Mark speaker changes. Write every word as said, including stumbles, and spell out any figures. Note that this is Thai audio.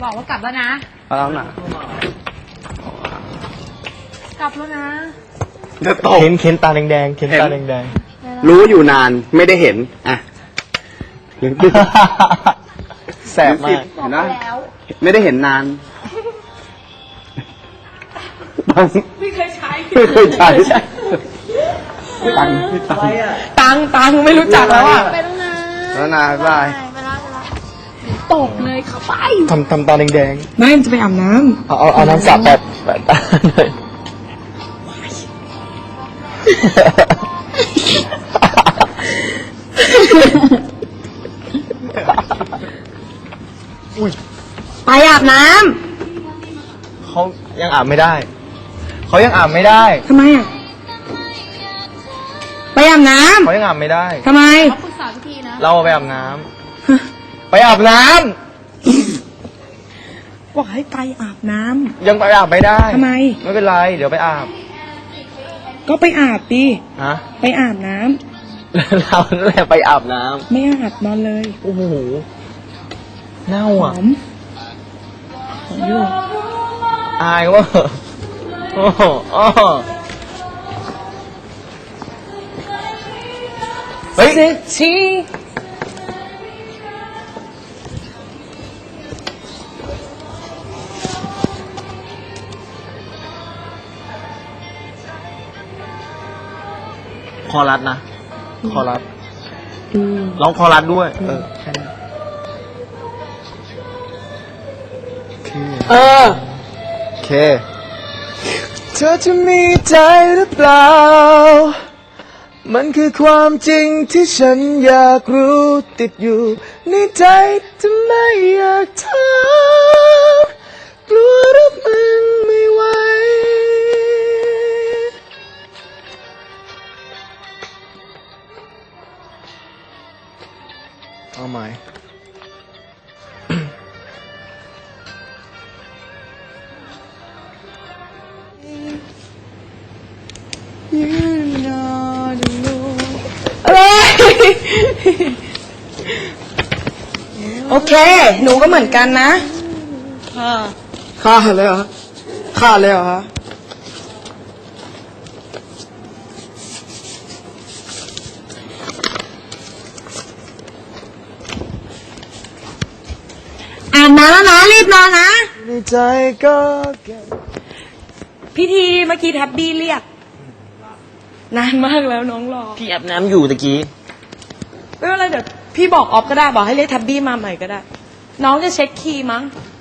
Speaker 1: บอกว่ากลับแล้วนะ
Speaker 2: เอาแล้วนะ
Speaker 1: กลับแล้วนะ
Speaker 2: จะตก
Speaker 3: เข็นเข็นตาแดงๆเข็นตาแดง
Speaker 2: ๆรู้อยู่นานไม่ได้เห็นอ่ะ
Speaker 3: แสบมาก
Speaker 2: เห็นไหมไม่ได้เห็นนานตัง
Speaker 1: ไม่เคยใช้
Speaker 2: ไม่เคยใช้ตังตัง
Speaker 1: ตังตังไม่รู้จักแล้วอ่ะ
Speaker 2: ไปแล้วนะแล้วนะบาย
Speaker 1: ตกเลยเข้าไป
Speaker 3: ทำทำตาแดง
Speaker 1: ไม่จะไปอาบน้
Speaker 3: ำเอาเอาเอาน้ำสาบแปดแปดตาเลย
Speaker 1: ไปอาบน้
Speaker 3: ำเขายังอาบไม่ได้เขายังอาบไม่ได้
Speaker 1: ำทำไมอ่ะไปอาบน้ำ
Speaker 3: เขายังอาบไม่ได้
Speaker 1: ทำไม
Speaker 4: เขาปรึกษาวิธีนะ
Speaker 3: เราไปอาบน้ำไปอาบน้
Speaker 1: ำบอกให้ไปอาบน้
Speaker 3: ำยังไปอาบไม่ได้
Speaker 1: ทำไม
Speaker 3: ไม่เป็นไรเดี๋ยวไปอาบ
Speaker 1: ก็ไปอาบดิ
Speaker 3: ฮะ
Speaker 1: ไปอาบน้ำ
Speaker 3: เราแหละไปอาบน้ำ
Speaker 1: ไม่อาบนอนเลย
Speaker 3: โอ้โหเน่าอ่ะ
Speaker 1: หอมหอมอยู่
Speaker 3: อายว่าโอ้โหเฮ้ยชีคอรัดนะคอรัดร้องคอรัดด้วยเออแค่นั้น
Speaker 1: เออ
Speaker 3: โอเคเธอจะมีใจหรือเปล่ามันคือความจริงที่ฉันอยากรู้ติดอยู่ในใจจะไม่อยากถามกลัวรับมันไม่ไหวเอาไหม
Speaker 1: อะไรโอเคหนูก็เหมือนกันนะค่ะค่าเลยเหรอค่าเลยเหรอคะอาบน้ำแล้วนะรีบนอนนะ
Speaker 3: ในใจก็เก็บ
Speaker 1: พี่ทีเมื่อกี้แท็บบี้เรียกนานมากแล้วน้องรอ
Speaker 3: พี่อาบน้ำอยู่ตะกี้
Speaker 1: ไม่เป็นไรเดี๋ยวพี่บอกออฟก็ได้บอกให้เรียกแท็บบี้มาใหม่ก็ได้น้องจะเช็คคีย์มั้ง